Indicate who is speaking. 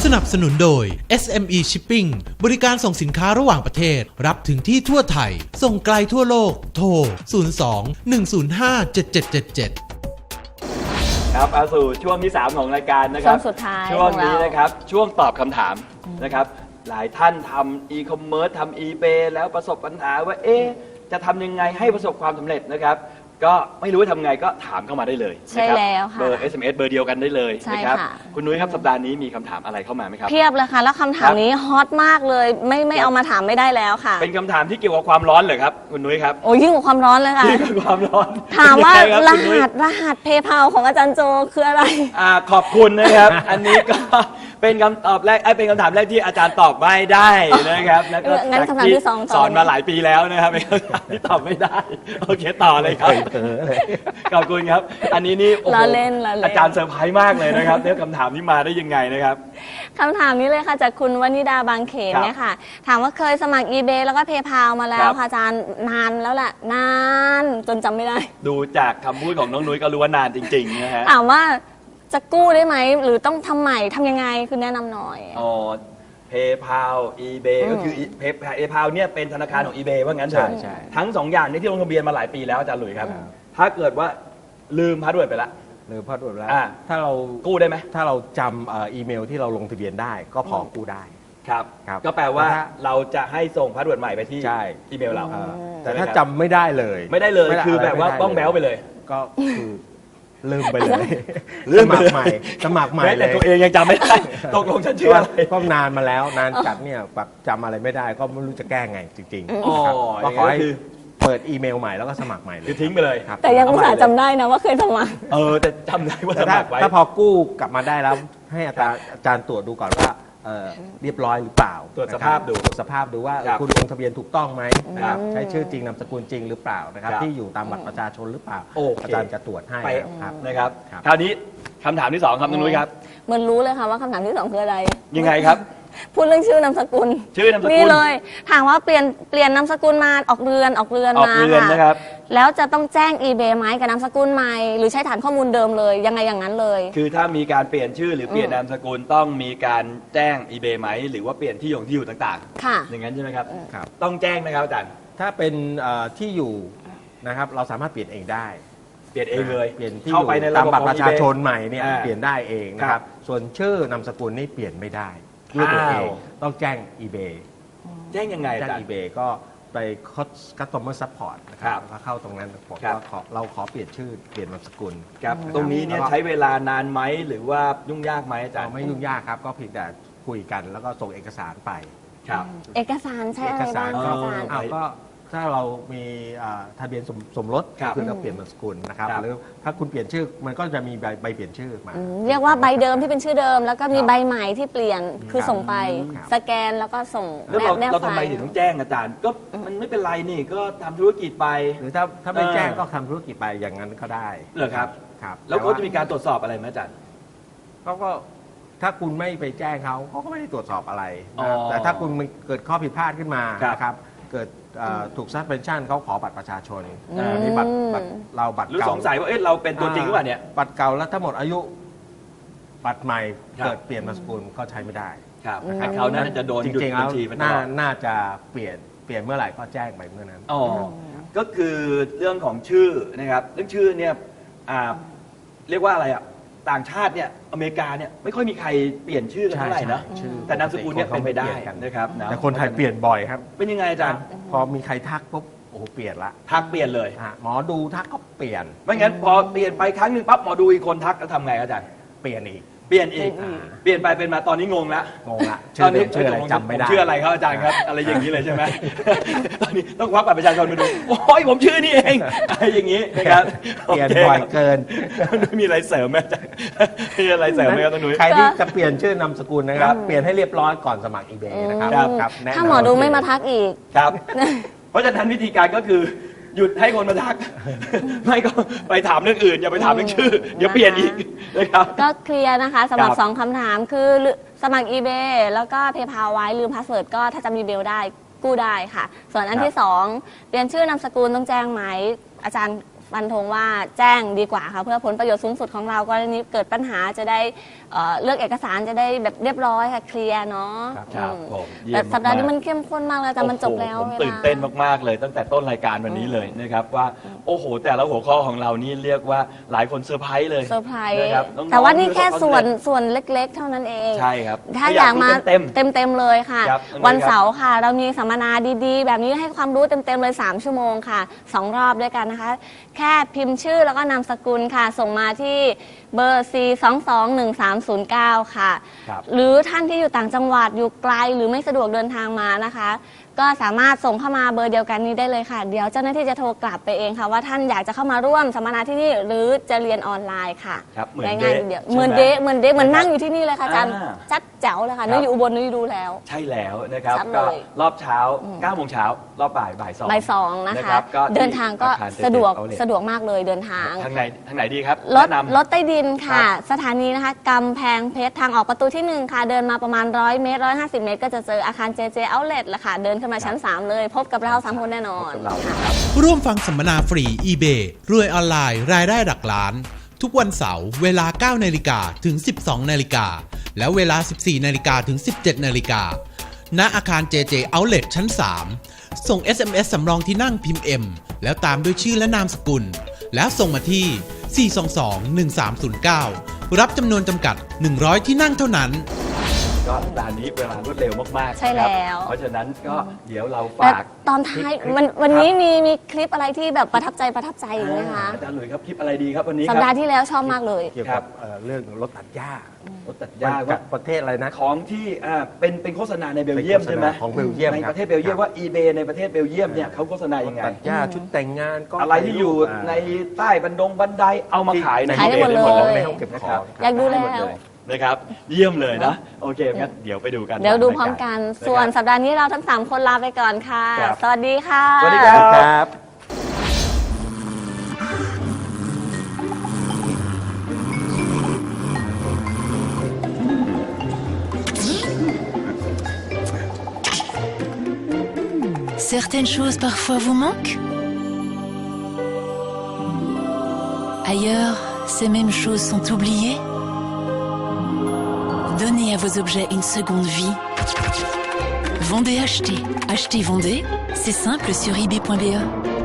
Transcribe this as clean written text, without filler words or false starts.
Speaker 1: นับสนุนโดย SME Shipping บริการส่งสินค้าระหว่างประเทศรับถึงที่ทั่วไทยส่งไกลทั่วโลกโทร 02-105-7777
Speaker 2: ครับเอาสู่ช่วงที่ 3 ของรายการนะครับ
Speaker 3: ช่วงสุดท้าย
Speaker 2: ช่วงนี้นะครับช่วงตอบคำถามนะครับหลายท่านทำอีคอมเมิร์ซทำอีเบแล้วประสบปัญหาว่าจะทำยังไงให้ประสบความสำเร็จนะครับก็ไม่รู้ว่าทำไงก็ถามเข้ามาได้เลย
Speaker 3: ใช่แล้วค่ะ
Speaker 2: เบอร์ SMS เบอร์เดียวกันได้เลย
Speaker 3: ใช่
Speaker 2: นะครับ
Speaker 3: ค่ะ
Speaker 2: คุณนุ้ยครับสัปดาห์นี้มีคำถามอะไรเข้ามาไหมครับ
Speaker 3: เพียบเลยค่ะ แล้วคำถามนี้ฮอตมากเลยไม่เอามาถามไม่ได้แล้วค่ะ
Speaker 2: เป็นคำถามที่เกี่ยวกับความร้อนเหรอครับคุณนุ้ยครับ
Speaker 3: โอ้ยิ่งกว่าความร้อนเลยค่ะ
Speaker 2: ที่เป็นความร้อน
Speaker 3: ถามว่า
Speaker 2: ยังไงค
Speaker 3: ร
Speaker 2: บคุณนุ้ย
Speaker 3: หัสเพย์เพาของอาจารย์โจคืออะไร
Speaker 2: ขอบคุณนะครับ อันนี้ก็เป็นคำตอบแรกเป็นคำถามแรกที่อาจารย์ตอบไม่ได้นะครับแล้วก็
Speaker 3: งั้นคำถามที่สองต่อ
Speaker 2: สอนมาหลายปีแล้วนะครับเป็นคำถามที่ตอบไม่ได้โอเคต่อเลยครับขอบคุณครับ อันนี้นี่โอ้โห
Speaker 3: ล้อเล่น
Speaker 2: อาจารย์เซอร์ไพรส์มากเลยนะครับเนี่ยคำถามนี้มาได้ยังไงนะครับ
Speaker 3: คำถามนี้เลยค่ะจากคุณวนิดาบางเขน
Speaker 2: ครับ
Speaker 3: เนี่ยค่ะ ถามว่าเคยสมัคร eBay แล้วก็ PayPal มาแล้ว
Speaker 2: ครับ
Speaker 3: ค่ะอาจารย์นานแล้วแหละนานจนจำไม่ได้
Speaker 2: ดูจากคำพูดของน้องนุ้ยก็รู้ว่านานจริงๆนะฮะ
Speaker 3: ถามว่าจะกู้ได้ไหมหรือต้องทำใหม่ทำยังไงคือแนะนำหน่อย
Speaker 2: อ๋อ PayPal eBay ก็คือ PayPal เนี่ยเป็นธนาคารของ eBay ว่างั้นเถอะ
Speaker 4: ใช่
Speaker 2: ทั้ง 2 อย่างนี้ที่ลงทะเบียนมาหลายปีแล้วอาจารย์หลุยส์ครับ ถ้าเกิดว่าลืมพาสเวิร์ดไปละ
Speaker 4: หรือพอตรวจแล้ว
Speaker 2: อ่า
Speaker 4: ถ้าเรา
Speaker 2: กู้ได้ไหม
Speaker 4: ถ้าเราจำอีเมลที่เราลงทะเบียนได้ก็พอกู้ได้
Speaker 2: ครับ
Speaker 4: ครับ
Speaker 2: ก็แปลว่า
Speaker 4: แต่ถ้า
Speaker 2: เราจะให้ส่งพาสเวิร์ดใหม่ไปที่
Speaker 4: ใช่
Speaker 2: อีเมลเรา
Speaker 4: แต่ถ้าจำไม่ได้เลย
Speaker 2: ไม่ได้เลย
Speaker 4: ม่
Speaker 2: คือแบบว่า
Speaker 4: ะร
Speaker 2: บ้องแบ้วไปเลย
Speaker 4: ก็คือลืมไปเลย
Speaker 2: ลืมไปเลย
Speaker 4: สมัครใหม่
Speaker 2: แม้
Speaker 4: เล
Speaker 2: แต่
Speaker 4: ย
Speaker 2: ตัวเองยังจำไม่ได้ ตกลงฉันชื่ออะไร
Speaker 4: ก็นานมาแล้วนานจัดเนี่ยแบบจำอะไรไม่ได้ก็ไม่รู้จะแก้ไงจริง
Speaker 2: อ๋อ
Speaker 4: ๆนะครับก็ขอให้
Speaker 2: อย่างนั้นคือ
Speaker 4: เปิดอีเมลใหม่แล้วก็สมัครใหม่เลย
Speaker 2: คือทิ้งไปเลย
Speaker 4: ครับ
Speaker 3: แต่ยังอุตส่าห์จำได้นะว่าเคยสมัคร
Speaker 2: แต่จำได้ว่า
Speaker 4: แต่
Speaker 2: สมัครไว้
Speaker 4: ถ้าพอกู้กลับมาได้แล้วให้อาจารย์ตรวจดูก่อนว่าเรียบร้อยหรือเปล่า
Speaker 2: ตรวจสภาพดู
Speaker 4: ตรวจสภาพดูว่า
Speaker 2: ครับ
Speaker 4: คุณลงทะเบียนถูกต้องไหมนะครับ
Speaker 3: อืม
Speaker 4: ใช้ชื่อจริงนามสกุลจริงหรือเปล่านะครับ
Speaker 2: ครับ
Speaker 4: ที่อยู่ตามบัตรประชาชนหรือเปล่า
Speaker 2: โอเค
Speaker 4: อาจารย์จะตรวจให้
Speaker 2: ไป
Speaker 4: ครับ
Speaker 2: นะครับ
Speaker 4: ครับ
Speaker 2: คราวนี้คำถามที่ 2 ครับน้องนุ้ยครับ
Speaker 3: เหมือนรู้เลยค่ะว่าคำถามที่สองคืออะไร
Speaker 2: ยังไงครับ
Speaker 3: พูดเรื่องชื่อนามสกุล
Speaker 2: ชื่อนามสกุล
Speaker 3: นี่เลยถามว่าเปลี่ยนนามสกุลมาออกเรือน
Speaker 2: ออก
Speaker 3: มา
Speaker 2: เรือนนะครับ
Speaker 3: แล้วจะต้องแจ้ง eBay ไหมกับนามสกุลใหม่หรือใช้ฐานข้อมูลเดิมเลยยังไงอย่างนั้นเลย
Speaker 2: คือถ้ามีการเปลี่ยนชื่อหรือเปลี่ยนนามสกุลต้องมีการแจ้ง eBay ไหมหรือว่าเปลี่ยนที่อยู่ต่าง
Speaker 3: ค่ะ
Speaker 2: ๆ อย่างนั้นใช่ไหมครับ
Speaker 4: ครับ
Speaker 2: ต้องแจ้งไหมครับอาจารย์
Speaker 4: ถ้าเป็นที่อยู่นะครับเราสามารถเปลี่ยนเองได้
Speaker 2: เปลี่ยนเองเลย
Speaker 4: เปลี่ยนที่อ
Speaker 2: เข้า
Speaker 4: ยู่
Speaker 2: ไปในระ
Speaker 4: ตาม
Speaker 2: บบ
Speaker 4: บัตร
Speaker 2: ของ
Speaker 4: ประชา
Speaker 2: eBay
Speaker 4: ชนใหม่เนี่ย
Speaker 2: อ่า
Speaker 4: เปลี่ยนได้เองนะค
Speaker 2: ครั
Speaker 4: รับบ ส่วนชื่อนามสกุลนี่เปลี่ยนไม่ได้ด้วยตัวเอง
Speaker 2: อ้าว
Speaker 4: ต้องแจ้ง eBay
Speaker 2: แจ้งยังไงอา
Speaker 4: แจ้ง
Speaker 2: จารย์
Speaker 4: eBay ก็ไป customer support นะค
Speaker 2: ครั
Speaker 4: รับบ แล้วก็เข้าตรงนั้นบอก
Speaker 2: ครับ
Speaker 4: ว่าเราขอเปลี่ยนชื่อเปลี่ยนนามสกุล
Speaker 2: ครับ
Speaker 4: ะคบ
Speaker 2: ตรงนี้เนี่ย
Speaker 4: แล้วก็
Speaker 2: ใช้เวลานานไหมหรือว่ายุ่งยากไหมอาจาร
Speaker 4: เรา
Speaker 2: ย์
Speaker 4: ไม่ยุ่งยากครับ ก็เพียงแต่คุยกันแล้วก็ส่งเอกสารไป
Speaker 2: ครับ
Speaker 3: เอกสารใช้อะไรบ้างคะอาจารย์
Speaker 4: อ้าวก็ถ้าเรามีทะเบียนสมรส
Speaker 2: ครับ
Speaker 4: คือเราเปลี่ยนนามสกุลนะครับ
Speaker 2: ครับ
Speaker 4: หรือถ้าคุณเปลี่ยนชื่อมันก็จะมีใบเปลี่ยนชื่อมา
Speaker 3: เรียกว่าใบเดิมที่เป็นชื่อเดิม แล้วก็มี
Speaker 4: ครับ
Speaker 3: ใบใหม่ที่เปลี่ยนคือส่งไป
Speaker 4: ครับ
Speaker 3: สแกนแล้วก็ส่ง
Speaker 2: แล้วเรา
Speaker 3: แนบ
Speaker 2: เรา
Speaker 3: ไฟ
Speaker 2: ทำไม
Speaker 3: ล์
Speaker 2: ถึงต้องแจ้งอาจารย์ ก็มันไม่เป็นไรนี่ก็ทำธุรกิจไป
Speaker 4: หรือถ้าไม่
Speaker 2: เออ
Speaker 4: แจ้งก็ทำธุรกิจไปอย่างนั้นก็ได้
Speaker 2: เหรอครับ
Speaker 4: ครับ
Speaker 2: แล้วเขาจะมีการตรวจสอบอะไรไหมอาจารย์
Speaker 4: เขาก็ถ้าคุณไม่ไปแจ้งเขาก็ไม่ได้ตรวจสอบอะไรนะครับ
Speaker 2: อ๋อ
Speaker 4: แต่ถ้าคุณมันเกิดข้อผิดพลาดขึ้นมา
Speaker 2: ครับ
Speaker 4: นะครับเกิดถูก suspension เขาขอบัตรประชาชน
Speaker 3: อืม
Speaker 4: นี่บัตรเราบัตร
Speaker 2: หรือ
Speaker 4: เก่า
Speaker 2: สงสัยว่าเอ๊ะเราเป็นตัวจริงหรือเปล่าเนี่ย
Speaker 4: บัตรเก่าแล้วถ้าหมดอายุบัตรใหม่
Speaker 2: ครับ
Speaker 4: เกิดเปลี่ยนนามสกุลก็ใช้ไม่ได้
Speaker 2: ครับเขาน่าจะโดน
Speaker 4: จ
Speaker 2: หยุด
Speaker 4: ริงๆ
Speaker 2: บั
Speaker 4: แล้
Speaker 2: ญ
Speaker 4: ว
Speaker 2: ชีไปตล
Speaker 4: น่า
Speaker 2: อด
Speaker 4: น่าจะเปลี่ยนเมื่อไหร่ก็แจ้งไปเมื่อนั้น
Speaker 2: อ๋อก็คือเรื่องของชื่อนะครับเรื่องชื่อเนี่ยเรียกว่าอะไรอ่ะต่างชาติเนี่ยอเมริกาเนี่ยไม่ค่อยมีใครเปลี่ยนชื่อกันเท่าไหร่นะ
Speaker 4: ใช่ชื่อ
Speaker 2: แต่นามสกุลเนี่ยเป็นไปได้นะครับะ
Speaker 4: แต่คนไทยเปลี่ยนบ่อยครับ
Speaker 2: เป็นยังไงอาจารย์
Speaker 4: พอมีใครทักปุ๊บโอ้โหเปลี่ยนละ
Speaker 2: ทักเปลี่ยนเลย
Speaker 4: หมอดูทักก็เปลี่ยน
Speaker 2: ไม่งั้นพอเปลี่ยนไปครั้งหนึ่งปั๊บหมอดูอีกคนทักแล้วทำไงอาจารย์
Speaker 4: เปลี่ยนอีก
Speaker 2: เปลี่ยนอีก
Speaker 4: อ่า
Speaker 2: เปลี่ยนไปเป็นมาตอนนี้งงละ
Speaker 4: งงละชื่อเดิมชื่ออะไรจำไม่ได้
Speaker 2: ผมชื่ออะไรครับอาจารย์ครับ อะไรอย่างนี้เลยใช่ไหม ตอนนี้ต้องควักบัตรประชาชนมาดู โอ้ยผมชื่อนี่เองอะไรอย่างนี้นะครับ
Speaker 4: เปลี่ยนบ่อยเกิน
Speaker 2: นุ้ยมีอะไรเสริมไหมอาจารย์มีอะไรเสริมไหมครับต้องนุ้ย
Speaker 4: ใครที่จะเปลี่ยนชื่อนามสกุลนะครับ เปลี่ยนให้เรียบร้อยก่อนสมัคร eBay นะครับ
Speaker 2: ครับ
Speaker 4: แนะนำ
Speaker 3: ถ้าหมอดูไม่มาทักอีก
Speaker 2: ครับ เพราะฉะนั้นวิธีการก็คือหยุดให้คนมาทัก ไม่ก็ไปถามเรื่องอื่น อย่าไปถามเรื่องชื่อ เดี๋ยวเปลี่ยนอีกนะครับ
Speaker 3: ก็เคลียร์นะคะสำหรับ
Speaker 2: ครับ
Speaker 3: 2 คำถามคือสมัคร eBay แล้วก็ PayPal ไว้ลืมพาสเวิร์ดก็ถ้าจำ eBay ได้กู้ได้ค่ะ ส่วนอันที่ 2 เปลี่ยนชื่อนามสกุลต้องแจ้งไหมอาจารย์ฟันธงว่าแจ้งดีกว่าค่ะเพื่อผลประโยชน์สูงสุดของเรากรณีเกิดปัญหาจะได้เลือกเอกสารจะได้แบบเรียบร้อยค่ะเคลียร์เนาะ
Speaker 2: ครับ
Speaker 3: อืม
Speaker 2: ผมเยี่ย
Speaker 3: แต่
Speaker 2: ม
Speaker 3: สัปดาห์นี้
Speaker 2: มาก
Speaker 3: มันเข้มข้นมากเลยแต่มันจบแล้ว
Speaker 2: โอ้โหผม
Speaker 3: เวลา
Speaker 2: ตื่นเต้นมากๆเลยตั้งแต่ต้นรายการวันนี้เลยนะครับว่าโอ้โหแต่ละหัวข้อของเรานี่เรียกว่าหลายคนเซอร์ไพรส์เลย
Speaker 3: เซอร์ไพรส์
Speaker 2: นะครับน้องๆ
Speaker 3: แต่ว่านี่แค่
Speaker 2: ประสบความ
Speaker 3: ส่วนเล็กๆ เท่านั้นเอง
Speaker 2: ใช่ครับ
Speaker 3: ถ้าอยากมา
Speaker 2: เต็ม
Speaker 3: เต็มๆเลยค่ะ
Speaker 2: ครับ
Speaker 3: วันเสาร์ค่ะ เรามีสัมมนาดีๆ แบบนี้ให้ความรู้เต็มๆเลย 3 ชั่วโมงค่ะ 2 รอบด้วยกันนะคะ แค่พิมพ์ชื่อแล้วก็นามสกุลค่ะ ส่งมาที่เบอร์ 4221309 ค่ะ
Speaker 2: ครับ
Speaker 3: หรือท่านที่อยู่ต่างจังหวัดอยู่ไกลหรือไม่สะดวกเดินทางมานะคะ ก็สามารถส่งเข้ามาเบอร์เดียวกันนี้ได้เลยค่ะ เดี๋ยวเจ้าหน้าที่จะโทรกลับไปเองค่ะ ว่าท่านอยากจะเข้ามาร่วมสัมมนาที่นี่หรือจะเรียนออนไลน์ค่ะ
Speaker 2: ครับเหมือน
Speaker 3: ง่าย
Speaker 2: เดะ
Speaker 3: ๆเดียว
Speaker 2: ใช่ไหม
Speaker 3: เหมือนเดะเหมือนนั่งอยู่ที่นี่เลยค่ะอาจารย์
Speaker 2: อ่า
Speaker 3: ชัดแจ๋วเลยค่ะ
Speaker 2: ครับ
Speaker 3: นึกอยู่อุบลนึกอยู่ดูแล้ว
Speaker 2: ใช่แล้วนะครับ
Speaker 3: ชัดเลย
Speaker 2: ก็รอบเช้า9โมงเช้ารอบบ่าย2
Speaker 3: บ่ายสองนะคะ
Speaker 2: รับก็
Speaker 3: เดินทางก็
Speaker 2: ที่อาคาร
Speaker 3: สะดวก
Speaker 2: JJ Outlet
Speaker 3: สะดวกมากเลยเดินทาง
Speaker 2: ทางไหนดีครับ
Speaker 3: รถ
Speaker 2: แนะนำ
Speaker 3: รถใต้ดินค่ะ
Speaker 2: ครับ
Speaker 3: สถานีนะคะกำแพงเพชรทางออกประตูที่ 1 ค่ะ เดินมาประมาณ100 เมตร 150 เมตร ก็จะเจออาคาร JJ Outlet ละค่ะ เดินขึ้นมาชั้น 3 เลย พบกับเรา 3 คนแน่นอน
Speaker 2: พบกับเรา
Speaker 3: ค่ะ
Speaker 1: ร่วมฟังสัมมนาฟรี eBay รวยออนไลน์รายได้หลักล้าน ทุกวันเสาร์เวลา 9 นาฬิกาถึง 12 นาฬิกา และเวลา 14 นาฬิกาถึง 17 นาฬิกา ณ อาคาร JJ Outlet ชั้น 3 ส่ง SMS สำรองที่นั่งพิมพ์ M แล้วตามด้วยชื่อและนามสกุล แล้วส่งมาที่ 422-1309 รับจำนวนจำกัด 100 ที่นั่งเท่านั้น
Speaker 2: ก็สัปดาห์นี้เวลารวดเร็วมากๆ
Speaker 3: ใช่แล้ว
Speaker 2: นะครับเพราะฉะนั้นก็เดี๋ยวเรา
Speaker 3: แต่
Speaker 2: ฝาก
Speaker 3: ตอนท้าย
Speaker 2: คลิป
Speaker 3: วันนี้
Speaker 2: ครับ
Speaker 3: มีคลิปอะไรที่แบบประทับใจอีกไหมคะ
Speaker 2: อาจารย์หลุยส์ครับคลิปอะไรดีครับวันนี้ค
Speaker 3: สัป
Speaker 2: รับ
Speaker 3: ดาห์ที่แล้วชอบมากเลย
Speaker 4: เกี่ยวกับเรื่องรถตัดหญ้าร
Speaker 2: ถตัดหญ้า
Speaker 4: จา
Speaker 2: ว่า
Speaker 4: กประเทศอะไรนะ
Speaker 2: ของที่เป็นโฆษณาในเบลเยียมใช่ไหม
Speaker 4: ของเบลเยียม
Speaker 2: ใน
Speaker 4: ครับ
Speaker 2: ประเทศเบลเยียมว่า eBay ในประเทศเบลเยียมเนี่ยเขาโฆษณายังไง
Speaker 4: ตัดหญ้าชุดแต่งงานก็
Speaker 2: อะไรที่อยู่ในใต้บันไดเอามาขายใน
Speaker 3: ขายได้หมดเลย
Speaker 4: ในห้องเก็บของ
Speaker 3: อยากดูแล้ว
Speaker 2: ได้หมดเลยนะครับ เยี่ยมเลยนะ โอเคงั้นเดี๋ยวไปดูกัน
Speaker 3: เดี๋ยวดูพร้อมกัน ส่วน
Speaker 2: นะครับ
Speaker 3: สัปดาห์นี้เราทั้ง 3 คนลาไปก่อนค่ะ
Speaker 2: ครับ
Speaker 3: สวัสดีค่ะ
Speaker 2: สวัสดีครับ
Speaker 4: ครับ
Speaker 5: Certaines choses parfois vous manquent. Ailleurs, ces mêmes choses sont oubliées. Donnez à vos objets une seconde vie. Vendez, achetez. Achetez, vendez. C'est simple sur eBay.be.